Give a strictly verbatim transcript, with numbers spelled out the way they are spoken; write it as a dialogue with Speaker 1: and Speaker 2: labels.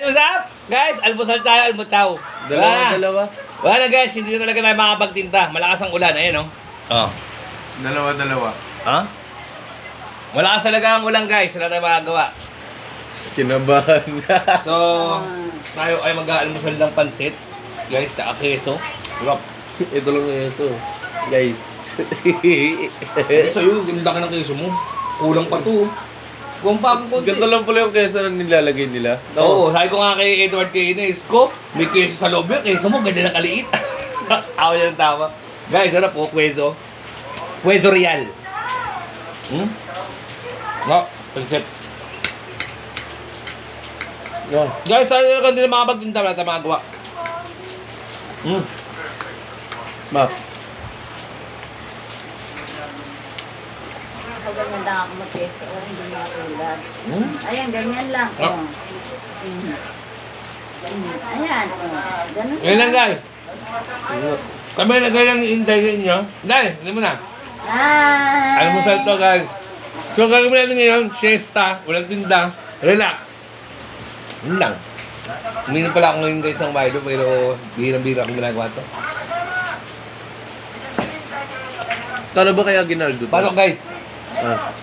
Speaker 1: What's up? Guys, almusal tayo, almutaw.
Speaker 2: Dalawa,
Speaker 1: Wala na.
Speaker 2: dalawa.
Speaker 1: Wala na guys, hindi na talaga tayo makapagtinta. Malakas ang ulan, ayun oh. Oh.
Speaker 2: Dalawa, dalawa.
Speaker 1: Ha? Malakas talaga ang ulan guys, wala tayong magagawa.
Speaker 2: Kinabahan.
Speaker 1: So, tayo ay mag-aalmusal ng pansit. Guys, tsaka keso. Sarap.
Speaker 2: Ito lang yung eso. Guys.
Speaker 1: Sa'yo, ganda ka ng keso mo. Kulang pa to. Kung pa akong konti.
Speaker 2: Ganito lang pala yung keso na nilalagay nila.
Speaker 1: Oo, sabi ko nga kay Edward Kines, ko, may keso sa loob yun, keso mo, ganda na kaliit. Ako yan tama. Guys, ano po, kweso. Kweso real. Hmm? No, pansit.
Speaker 2: Oh.
Speaker 1: Guys, tayo na hindi na makapagtinta, wala tayo makagawa. Hmm.
Speaker 2: Mak.
Speaker 3: Pag ganyan lang ako mag-keso, oh, hindi mo tulad.
Speaker 1: Hmm?
Speaker 3: Ayan, ganyan lang.
Speaker 1: Ah.
Speaker 3: Oh. Mm. Mm. Ayan, oh. Ganun
Speaker 1: Yan lang guys. Kami na ganyan hintayin nyo. Dahil, hindi mo na.
Speaker 3: Ah.
Speaker 1: Almusal to guys. So gagawin natin ngayon, siesta, walang tinda, relax. Yun lang. Uminom pala ako ngayon guys ng Milo, pero bihirang-bihira akong ginagawa to.
Speaker 2: Kano ba kaya ginaldo to?
Speaker 1: Pasok guys.
Speaker 2: Ah.